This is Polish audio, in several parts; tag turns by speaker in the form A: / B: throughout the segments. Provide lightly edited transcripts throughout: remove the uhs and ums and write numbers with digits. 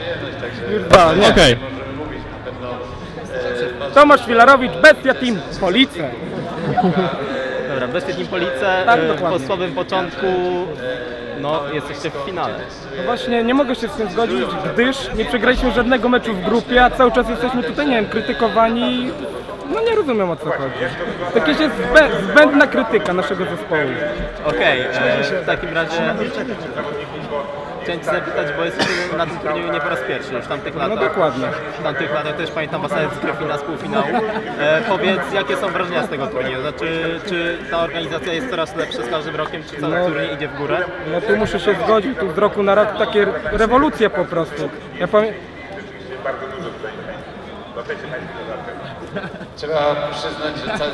A: Okej.
B: Tomasz Filarowicz, Bestia Team Police.
C: Dobra, Bestia Team Police,
B: Tak,
C: po
B: dokładnie.
C: słabym początku, no jesteście w finale.
B: No właśnie, nie mogę się z tym zgodzić, gdyż nie przegraliśmy żadnego meczu w grupie, a cały czas jesteśmy tutaj, nie wiem, krytykowani. No nie rozumiem, o co chodzi. Jakaś jest zbędna krytyka naszego zespołu.
C: Okej, w takim razie chciałem Cię zapytać, bo jesteście na tym turnieju nie po raz pierwszy już w tamtych latach.
B: No dokładnie.
C: W tamtych latach też pamiętam Was nawet z Gryfina z półfinału. Powiedz, jakie są wrażenia z tego turnieju? Znaczy, czy ta organizacja jest coraz lepsza z każdym rokiem, czy cały turniej idzie w górę?
B: No tu muszę się zgodzić, tu z roku na rok takie rewolucje po prostu. Ja
D: Trzeba przyznać, że cały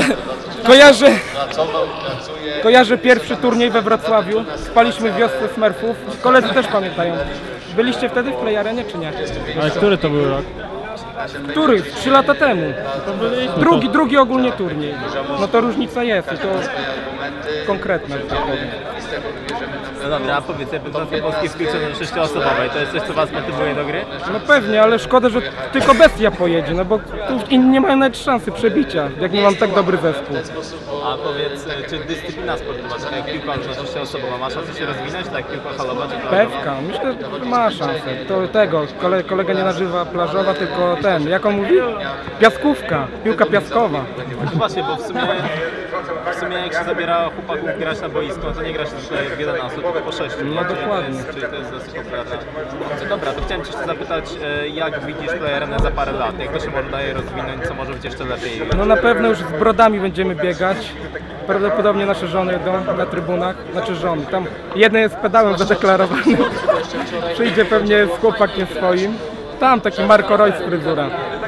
B: Kojarzę pierwszy turniej we Wrocławiu, spaliśmy w wiosce Smurfów, koledzy też pamiętają. Byliście wtedy w Play Arenie, czy nie?
A: Ale który to był rok?
B: Który? 3 lata temu. Drugi ogólnie turniej. No to różnica jest i to konkretna, że tak powiem.
C: No dobra, a powiedz, reprezentacja polskiej w piłce 6-osobowej, to jest coś, co Was motywuje do gry?
B: No pewnie, ale szkoda, że tylko Bestia pojedzie, no bo tu inni nie mają nawet szansy przebicia, jak nie mam tak dobry zespół.
C: A powiedz, czy dyscyplina sportowa, tak jak piłka 6-osobowa, ma szansę się rozwinąć, tak jak piłka halowa czy plażowa?
B: Pewka, myślę, że ma szansę. To tego, kolega nie nazywa plażowa, tylko ten, jak on mówi? Piaskówka, piłka piaskowa.
C: No właśnie, bo w sumie jak się zabiera chłopaków grać na boisko, to nie grasz tutaj w 11, tylko po 6.
B: No dokładnie.
C: Czyli to jest dosyć popularne. Dobra, to chciałem Cię jeszcze zapytać, jak widzisz Play Arenę za parę lat? Jak to się może daje rozwinąć, co może być jeszcze lepiej?
B: No na pewno już z brodami będziemy biegać. Prawdopodobnie nasze żony jedą na trybunach, znaczy żony. Tam jeden jest pedałem zadeklarowany. Przyjdzie pewnie z chłopakiem swoim. Tam taki Marco Reus fryzura.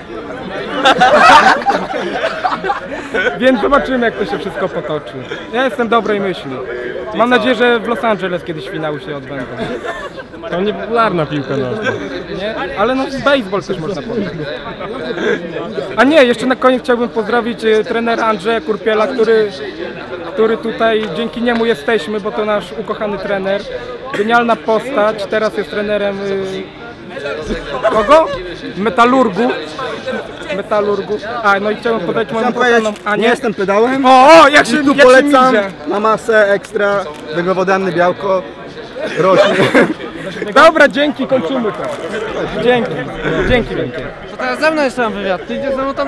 B: Więc zobaczymy, jak to się wszystko potoczy. Ja jestem dobrej myśli. Mam nadzieję, że w Los Angeles kiedyś finały się odbędą.
A: To niepopularna piłka nożna.
B: Nie? Ale no baseball też można powiedzieć. A nie, jeszcze na koniec chciałbym pozdrowić trenera Andrzeja Kurpiela, który tutaj, dzięki niemu jesteśmy, bo to nasz ukochany trener. Genialna postać, teraz jest trenerem kogo? Metalurgu. A, no i chciałem podać moją kochaną Anię.
E: Nie jestem pedałem.
B: O, jak się
E: tu polecam na masę ekstra, węglowodany, białko, rośnie.
B: Dobra, dzięki, kończymy to. Dzięki wielkie.
F: To teraz ze mną jeszcze mam wywiad, ty idziesz ze mną tam